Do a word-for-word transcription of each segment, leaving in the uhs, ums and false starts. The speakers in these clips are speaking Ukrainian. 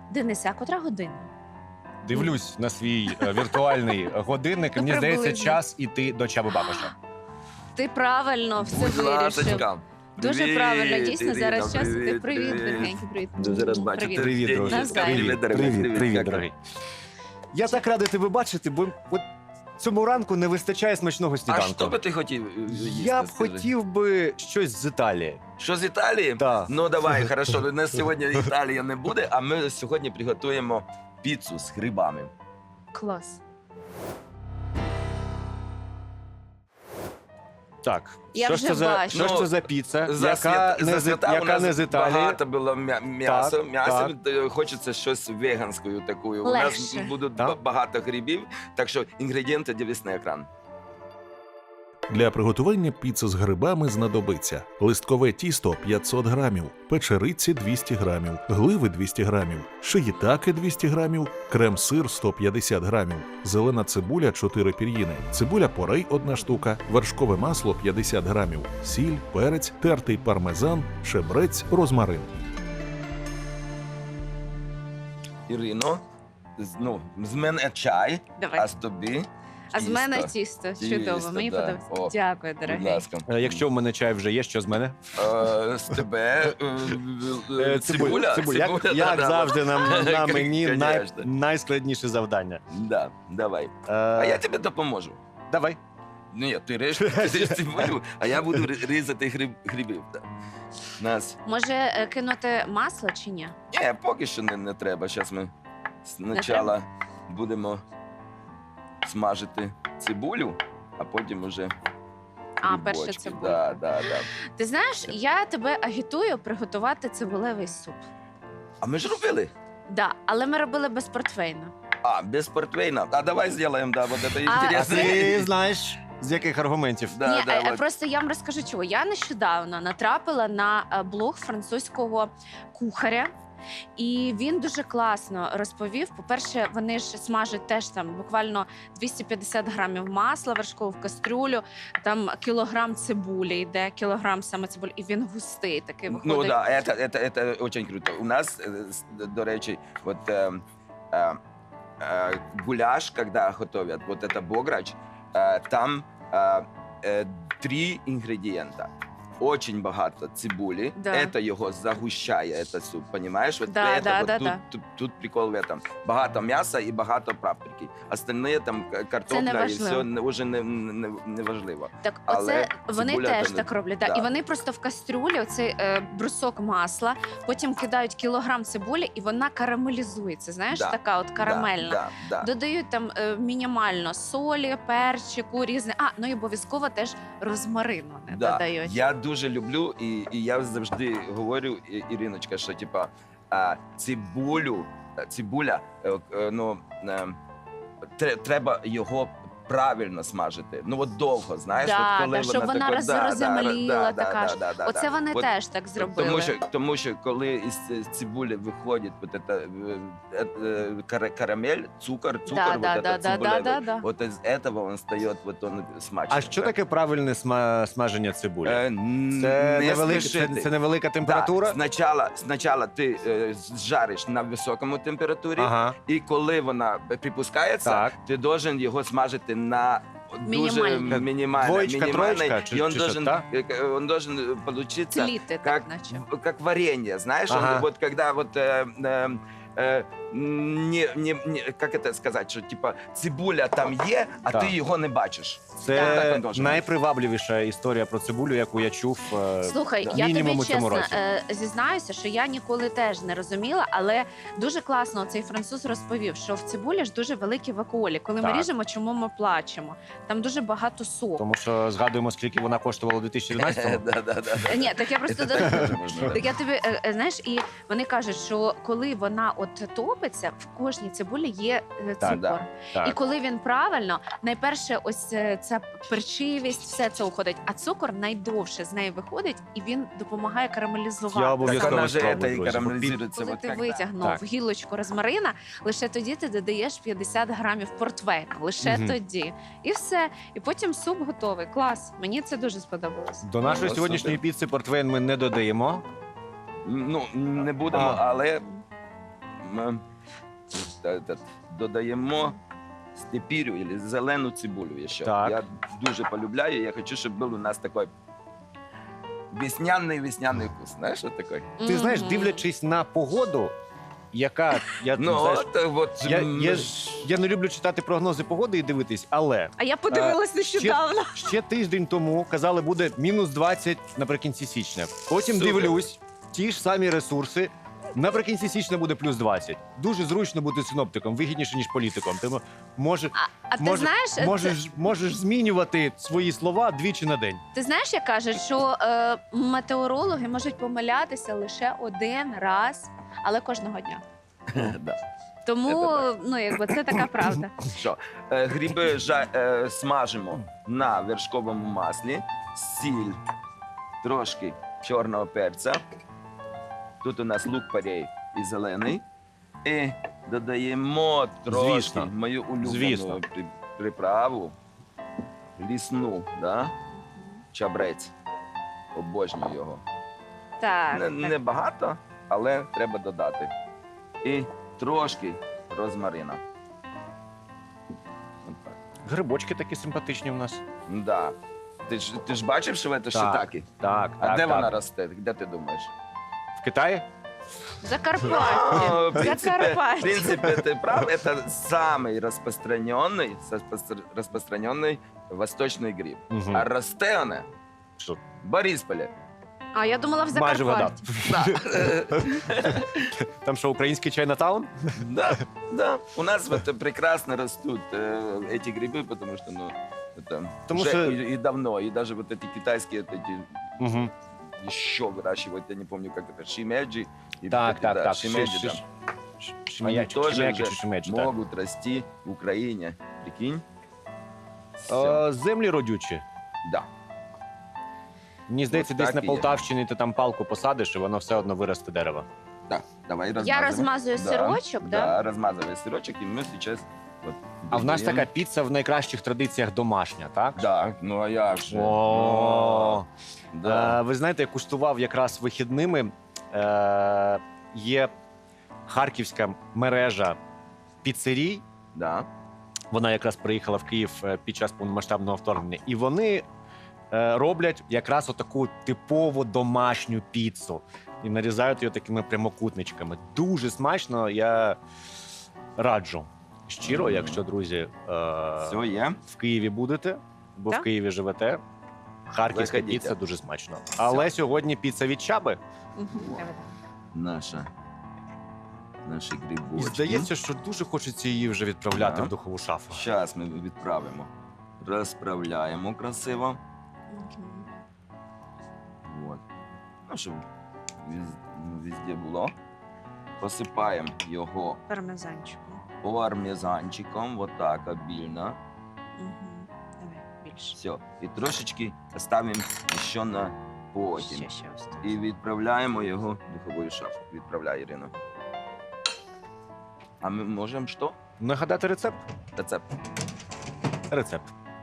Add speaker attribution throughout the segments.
Speaker 1: Денисе, а котра година?
Speaker 2: Дивлюсь на свій е, віртуальний годинник, і
Speaker 1: Ну,
Speaker 2: мені здається,
Speaker 1: приблизно.
Speaker 2: час іти до Чаби Бабаша.
Speaker 1: Ти правильно все
Speaker 3: Будь
Speaker 1: вирішив.
Speaker 3: ласочка.
Speaker 1: Дуже
Speaker 3: Привіт,
Speaker 1: правильно, дійсно,
Speaker 3: Ірина,
Speaker 1: зараз час. Ти
Speaker 3: привіт,
Speaker 1: привіт,
Speaker 3: привіт.
Speaker 1: дорогенький, привіт.
Speaker 3: Дуже рад бачити.
Speaker 1: Привіт.
Speaker 2: Привіт, друже.
Speaker 1: Навзаєм.
Speaker 2: Привіт,
Speaker 3: дорогий.
Speaker 2: привіт,
Speaker 3: Привіт,
Speaker 2: привіт,
Speaker 3: дякую.
Speaker 2: дорогий. Я так радий тебе бачити, бо от цьому ранку не вистачає смачного
Speaker 3: А
Speaker 2: сніданку.
Speaker 3: що би ти хотів е, їсти?
Speaker 2: Я б
Speaker 3: скажи?
Speaker 2: хотів би щось з Італії.
Speaker 3: Що з Італії?
Speaker 2: Так.
Speaker 3: Ну давай, хорошо. У нас сьогодні Італія не буде, а ми сьогодні приготуємо піцу з грибами.
Speaker 1: Клас.
Speaker 2: Так,
Speaker 1: Я
Speaker 2: що,
Speaker 1: вже
Speaker 2: ж це за,
Speaker 1: бачу.
Speaker 2: що ж
Speaker 3: Ну,
Speaker 2: це за піца,
Speaker 3: За
Speaker 2: яка,
Speaker 3: свят-
Speaker 2: не,
Speaker 3: за
Speaker 2: з,
Speaker 3: свята у
Speaker 2: яка
Speaker 3: нас
Speaker 2: не з Італії?
Speaker 3: багато було м'я- м'ясо.
Speaker 2: Так,
Speaker 3: М'ясо
Speaker 2: так.
Speaker 3: е, хочеться щось веганською такою. У
Speaker 1: Легше.
Speaker 3: нас будуть
Speaker 2: Так.
Speaker 3: ба- багато грибів, так що інгредієнти дивись на екран.
Speaker 4: Для приготування піци з грибами знадобиться листкове тісто п'ятсот грамів, печериці двісті грамів, гливи двісті грамів, шиїтаки двісті грамів, крем-сир сто п'ятдесят грамів, зелена цибуля чотири пір'їни, цибуля порей одна штука, вершкове масло п'ятдесят грамів, сіль, перець, тертий пармезан, шебрець, розмарин.
Speaker 3: Ірино, з- ну, з мене чай,
Speaker 1: Давай.
Speaker 3: а з тобі
Speaker 1: А з мене
Speaker 3: тісто.
Speaker 1: тісто.
Speaker 3: Тісто,
Speaker 1: Чудово. Мені
Speaker 3: да.
Speaker 1: подобається.
Speaker 3: О,
Speaker 1: Дякую,
Speaker 3: Будь
Speaker 1: дорогий.
Speaker 3: ласка.
Speaker 2: Е, Якщо в мене чай вже є, що з мене?
Speaker 3: Е, З тебе е, е,
Speaker 2: Е,
Speaker 3: цибуля.
Speaker 2: Цибуля. Як,
Speaker 3: Цибуля,
Speaker 2: як
Speaker 3: да, да.
Speaker 2: завжди, на, на мені най,
Speaker 3: Конечно.
Speaker 2: найскладніше завдання.
Speaker 3: Да, давай.
Speaker 2: Е,
Speaker 3: А я тобі допоможу.
Speaker 2: Давай.
Speaker 3: Ну, ні, ти режеш, ти режеш цибулю, а я буду ри- різати гриб, грибів. Да. Нас.
Speaker 1: Може е, кинути масло чи ні?
Speaker 3: Ні, поки що не, не треба. Зараз ми спочатку будемо смажити цибулю, а потім уже
Speaker 1: А, перше
Speaker 3: грибочки.
Speaker 1: цибулька.
Speaker 3: Да, да, да.
Speaker 1: Ти знаєш, я тебе агітую приготувати цибулевий суп.
Speaker 3: А ми ж робили.
Speaker 1: Да, але ми робили без портвейну.
Speaker 3: А, без портвейна. А давай зробимо, да, вот это
Speaker 1: А,
Speaker 2: А
Speaker 3: интересно.
Speaker 2: ти знаєш, з яких аргументів?
Speaker 3: Да,
Speaker 1: Ні,
Speaker 3: да,
Speaker 1: е,
Speaker 3: вот.
Speaker 1: просто я вам розкажу, чого. Я нещодавно натрапила на е, блог французького кухаря. І він дуже класно розповів. По-перше, вони ж смажать теж там буквально двісті п'ятдесят грамів масла вершкового в кастрюлю, там кілограм цибулі йде, кілограм саме цибулі, і він густий такий виходить.
Speaker 3: Ну да, это, это, это очень круто. У нас, э, с- до речі, вот э, э, э, гуляш, когда готовят, вот это бограч, э, там э, э, три ингредиента. Очень багато цибулі,
Speaker 1: Да.
Speaker 3: это його загущає, это суп, понимаешь? Вот
Speaker 1: Да,
Speaker 3: это,
Speaker 1: да,
Speaker 3: вот
Speaker 1: да,
Speaker 3: тут,
Speaker 1: да.
Speaker 3: Тут, тут прикол в этом. Багато м'яса і багато паприки. Остальне там к- картопля і
Speaker 1: важливо.
Speaker 3: все не, вже не, не, не важливо.
Speaker 1: Так,
Speaker 3: Але
Speaker 1: оце вони
Speaker 3: цибуля
Speaker 1: теж
Speaker 3: то не-
Speaker 1: так роблять. Да.
Speaker 3: да.
Speaker 1: І вони просто в кастрюлі оцей е, брусок масла, потім кидають кілограм цибулі, і вона карамелізується. Знаєш,
Speaker 3: Да,
Speaker 1: така от карамельна.
Speaker 3: Да, да, да.
Speaker 1: Додають там е, мінімально солі, перчику, різне. А, ну і обов'язково теж розмарину не
Speaker 3: Да.
Speaker 1: додають.
Speaker 3: Я дуже люблю, і, і я завжди говорю, І- Іриночка, що типа а, цибулю, цибуля, е, е, ну е, тре- треба його правильно смажити. Ну от довго, знаєш,
Speaker 1: Да,
Speaker 3: от коли
Speaker 1: да, щоб вона
Speaker 3: така-
Speaker 1: роз-
Speaker 3: да, да,
Speaker 1: роземліла
Speaker 3: да,
Speaker 1: така
Speaker 3: да,
Speaker 1: ж.
Speaker 3: да, да,
Speaker 1: Оце
Speaker 3: да.
Speaker 1: вони
Speaker 3: От
Speaker 1: теж так зробили.
Speaker 3: Тому що, тому що коли із ц- цибулі виходить вот это, е, е, кара- карамель, цукор, цукор,
Speaker 1: Да,
Speaker 3: вот
Speaker 1: да,
Speaker 3: это
Speaker 1: да, да, да,
Speaker 3: цибулевий,
Speaker 1: да, да.
Speaker 3: вот из этого он стає вот он смачний.
Speaker 2: А що таке правильне сма- смаження цибулі?
Speaker 3: Е,
Speaker 2: Це,
Speaker 3: не
Speaker 2: невелика, це,
Speaker 3: спішити.
Speaker 2: це невелика температура?
Speaker 3: Да, спочатку, спочатку ти е, жариш на високому температурі,
Speaker 2: Ага,
Speaker 3: і коли вона припускається,
Speaker 2: так.
Speaker 3: ти должен його смажити на дуже
Speaker 1: Мінімально.
Speaker 3: мінімально.
Speaker 2: Двоєчка,
Speaker 3: мінімально,
Speaker 2: троєчка, чи-
Speaker 3: і он
Speaker 2: чи що,
Speaker 3: должен,
Speaker 2: так?
Speaker 3: э, он должен получиться
Speaker 1: Тліти, так,
Speaker 3: как,
Speaker 1: наче.
Speaker 3: как варенье, знаешь,
Speaker 2: Ага.
Speaker 3: он, вот когда вот э, э, э, не, не, не, как это сказать, що типа цибуля там є, а
Speaker 2: Так.
Speaker 3: ти його не бачиш.
Speaker 2: Це
Speaker 3: Так він должен бути.
Speaker 2: найпривабливіша історія про цибулю, яку я чув. е,
Speaker 1: Слухай,
Speaker 3: да.
Speaker 1: я
Speaker 2: мінімум
Speaker 1: тобі
Speaker 2: у цьому
Speaker 1: чесно
Speaker 2: році.
Speaker 1: е, зізнаюся, що я ніколи теж не розуміла, але дуже класно цей француз розповів, що в цибулі ж дуже великі вакуолі. Коли ми
Speaker 2: Так.
Speaker 1: ріжемо, чому ми плачемо? Там дуже багато соку.
Speaker 2: Тому що згадуємо, скільки вона коштувала у дві тисячі одинадцятому.
Speaker 3: Да, да, да, да.
Speaker 1: Е, Ні, так я просто
Speaker 3: Це
Speaker 1: до-
Speaker 3: теж можна, да.
Speaker 1: так я тобі е, е, знаєш, і вони кажуть, що коли вона от топиться, в кожній цибулі є е,
Speaker 2: Так,
Speaker 1: цукор.
Speaker 3: да,
Speaker 1: І
Speaker 2: Так.
Speaker 1: коли він правильно, найперше, ось е, ця перчивість, все це уходить, а цукор найдовше з неї виходить, і він допомагає карамелізувати.
Speaker 2: Я
Speaker 3: Так
Speaker 2: обов'язково
Speaker 3: вона же
Speaker 2: спробую,
Speaker 3: это и
Speaker 2: друзі.
Speaker 3: карамелизируется.
Speaker 1: Коли
Speaker 3: вот
Speaker 1: ти
Speaker 3: когда.
Speaker 1: витягнув
Speaker 2: Так.
Speaker 1: гілочку розмарина, лише тоді ти додаєш п'ятдесят грамів портвейну. Лише
Speaker 2: Мгм.
Speaker 1: тоді. І все. І потім суп готовий. Клас. Мені це дуже сподобалось.
Speaker 2: До нашої
Speaker 3: Ну,
Speaker 2: сьогоднішньої
Speaker 3: супер.
Speaker 2: піци портвейн ми не додаємо.
Speaker 3: Ну, не будемо,
Speaker 2: А.
Speaker 3: але ми та- та- додаємо степірю або зелену цибулю ще.
Speaker 2: Так.
Speaker 3: Я дуже полюбляю, я хочу, щоб був у нас такий весняний весняний вкус. Знаєш, що таке?
Speaker 2: Ти знаєш,
Speaker 1: Мгм.
Speaker 2: дивлячись на погоду, яка я
Speaker 3: Ну,
Speaker 2: знаєш,
Speaker 3: от, от,
Speaker 2: я,
Speaker 3: м,
Speaker 2: я, ж- я не люблю читати прогнози погоди і дивитись, але
Speaker 1: А я подивилась нещодавно.
Speaker 2: ще тиждень тому казали, буде мінус двадцять наприкінці січня. Потім
Speaker 3: Супер.
Speaker 2: дивлюсь, ті ж самі ресурси. Наприкінці січня буде плюс двадцять. Дуже зручно бути синоптиком, вигідніше, ніж політиком. Ти мо- може,
Speaker 1: А ти
Speaker 2: може-
Speaker 1: знаєш, це-
Speaker 2: можеш, можеш змінювати свої слова двічі на день.
Speaker 1: ти знаєш, як кажуть, що е, метеорологи можуть помилятися лише один раз, але кожного дня.
Speaker 3: Да.
Speaker 1: Тому
Speaker 3: Це
Speaker 1: ну якби це така правда.
Speaker 3: Що? Е, Гриби жа- е, смажимо на вершковому маслі, сіль, трошки чорного перця. Тут у нас лук порей і зелений. І додаємо трошки
Speaker 2: Звісно.
Speaker 3: мою улюблену
Speaker 2: Звісно.
Speaker 3: при- приправу, лісну, да? Чабрець. Обожнюю його.
Speaker 1: Так,
Speaker 3: Не,
Speaker 1: так.
Speaker 3: не багато, але треба додати. І трошки розмарина. От так.
Speaker 2: Грибочки такі симпатичні в нас.
Speaker 3: Да. Ти ж, ти ж бачив, що це шитаки?
Speaker 2: Так,
Speaker 3: А
Speaker 2: так,
Speaker 3: де
Speaker 2: так.
Speaker 3: вона росте? Де ти думаєш?
Speaker 2: В Китаї?
Speaker 1: Закарпаття.
Speaker 3: Ну, в принципе, в
Speaker 1: Закарпаття.
Speaker 3: принципе, ты прав. Это самый распространенный, распостр- распространенный восточный гриб.
Speaker 2: Мгм.
Speaker 3: А росте вона
Speaker 2: Що?
Speaker 3: в Борисполе.
Speaker 1: А я думала в
Speaker 2: Майже вгадав.
Speaker 1: Закарпатті.
Speaker 3: Да.
Speaker 2: Там що, український Чайнатаун?
Speaker 3: Да, да. У нас вот прекрасно растут э, эти грибы, потому что, ну, это
Speaker 2: Потому
Speaker 3: уже
Speaker 2: что-
Speaker 3: и, и давно. И даже вот эти китайские, вот эти
Speaker 2: Угу.
Speaker 3: еще выращивают, я не помню, как это, шимеджи. И
Speaker 2: Так,
Speaker 3: вот эти,
Speaker 2: так,
Speaker 3: да,
Speaker 2: так.
Speaker 3: шимеджи,
Speaker 2: Ши-
Speaker 3: да.
Speaker 2: ши- ш-
Speaker 3: Они
Speaker 2: Шимеячик,
Speaker 3: тоже
Speaker 2: шимеячик
Speaker 3: уже
Speaker 2: чи шимеджі, так.
Speaker 3: могут расти в Украине. Прикинь? Все.
Speaker 2: Е, Землі родючі.
Speaker 3: Да.
Speaker 2: Мені здається,
Speaker 3: Ось
Speaker 2: десь
Speaker 3: так
Speaker 2: на
Speaker 3: і є.
Speaker 2: Полтавщині ти там палку посадиш, і воно все одно виросте дерево.
Speaker 3: Да, давай
Speaker 1: Я
Speaker 3: размазывай.
Speaker 1: розмазую сирочок, да?
Speaker 3: Да, размазывай сырочек, и мы сейчас вот
Speaker 2: А в нас
Speaker 3: додаем.
Speaker 2: така піца в найкращих традиціях домашня, так?
Speaker 3: Да, ну а як же?
Speaker 2: О,
Speaker 3: Ну, да.
Speaker 2: Е, ви знаєте, я куштував якраз вихідними. Е, Є харківська мережа піцерій.
Speaker 3: Да.
Speaker 2: Вона якраз приїхала в Київ е, під час повномасштабного вторгнення. І вони е, роблять якраз отаку типову домашню піцу. І нарізають її такими прямокутничками. Дуже смачно, я раджу. Щиро,
Speaker 3: Мгм.
Speaker 2: якщо, друзі, е,
Speaker 3: Все є.
Speaker 2: в Києві будете, бо
Speaker 1: Так.
Speaker 2: в Києві живете. Харківська
Speaker 3: Заходіть.
Speaker 2: піца дуже смачно. Але сьогодні піца від Чаби.
Speaker 1: Мгм. Давай.
Speaker 3: Наша. Наші
Speaker 2: І
Speaker 3: грибочки.
Speaker 2: здається, що дуже хочеться її вже відправляти
Speaker 3: Так.
Speaker 2: в духову шафу.
Speaker 3: Зараз ми відправимо. Розправляємо красиво.
Speaker 1: Мгм.
Speaker 3: Вот. Ну, щоб віз- ну, везде було. Посипаємо його
Speaker 1: Пармезанчиком.
Speaker 3: пармезанчиком, вот так обильно.
Speaker 1: Мгм. Давай більше.
Speaker 3: Все. І трошечки ставимо ще на потім.
Speaker 1: Ще, ще ось тут.
Speaker 3: І відправляємо його в духову шафу. Відправляй, Ірина. А ми можемо що?
Speaker 2: Нагадати рецепт?
Speaker 3: Рецепт.
Speaker 2: Рецепт.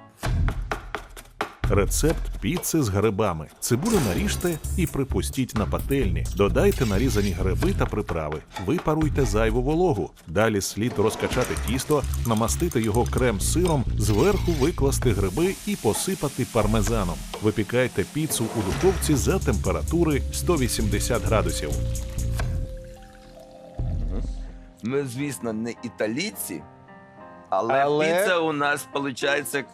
Speaker 4: Рецепт піци з грибами. Цибулю наріжте і припустіть на пательні. Додайте нарізані гриби та приправи. Випаруйте зайву вологу. Далі слід розкачати тісто, намастити його крем-сиром, зверху викласти гриби і посипати пармезаном. Випікайте піцу у духовці за температури сто вісімдесят градусів.
Speaker 3: Ми, звісно, не італійці, але,
Speaker 2: Але-
Speaker 3: піца у нас виходить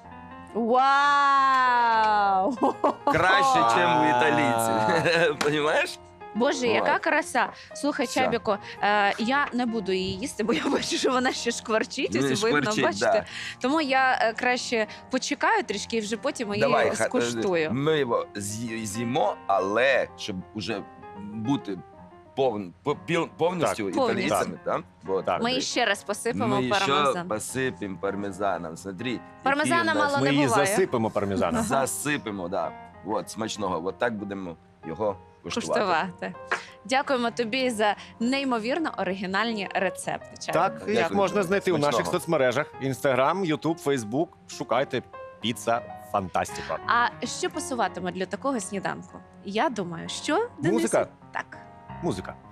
Speaker 1: Вау!
Speaker 3: краще, ніж у
Speaker 2: А.
Speaker 3: італійців. Понімаєш?
Speaker 1: Боже,
Speaker 3: Вот.
Speaker 1: яка краса! Слухай,
Speaker 3: Все.
Speaker 1: Чабіко, е, я не буду її їсти, бо я бачу, що вона ще шкварчить,
Speaker 3: Ну, і
Speaker 1: ось видно,
Speaker 3: шкварчить,
Speaker 1: бачите.
Speaker 3: да.
Speaker 1: Тому я е, краще почекаю трішки і вже потім її
Speaker 3: Давай, ха-
Speaker 1: скуштую.
Speaker 3: Ми його з'ї- з'їмо, але щоб уже бути повн, по- піл- повністю
Speaker 1: Так.
Speaker 3: італійцями, так? Вот,
Speaker 2: Так.
Speaker 1: Ми її ще раз посипемо
Speaker 3: Ми ще
Speaker 1: пармезан.
Speaker 3: посипемо пармезаном. Смотри,
Speaker 1: Пармезана
Speaker 3: який у нас-
Speaker 1: мало
Speaker 2: Ми
Speaker 1: не
Speaker 2: її
Speaker 1: буває.
Speaker 2: засипемо пармезаном.
Speaker 3: засипемо, да. От, смачного. От так будемо його куштувати.
Speaker 1: Куштувати. Дякуємо тобі за неймовірно оригінальні рецепти. Чабіко.
Speaker 2: Так,
Speaker 3: Дякую.
Speaker 2: їх можна знайти у
Speaker 3: Смачного.
Speaker 2: наших соцмережах: Інстаграм, Ютуб, Фейсбук. Шукайте піца Фантастіка.
Speaker 1: А що пасуватиме для такого сніданку? Я думаю, що Денисе?
Speaker 2: Музика.
Speaker 1: Так.
Speaker 2: Музика.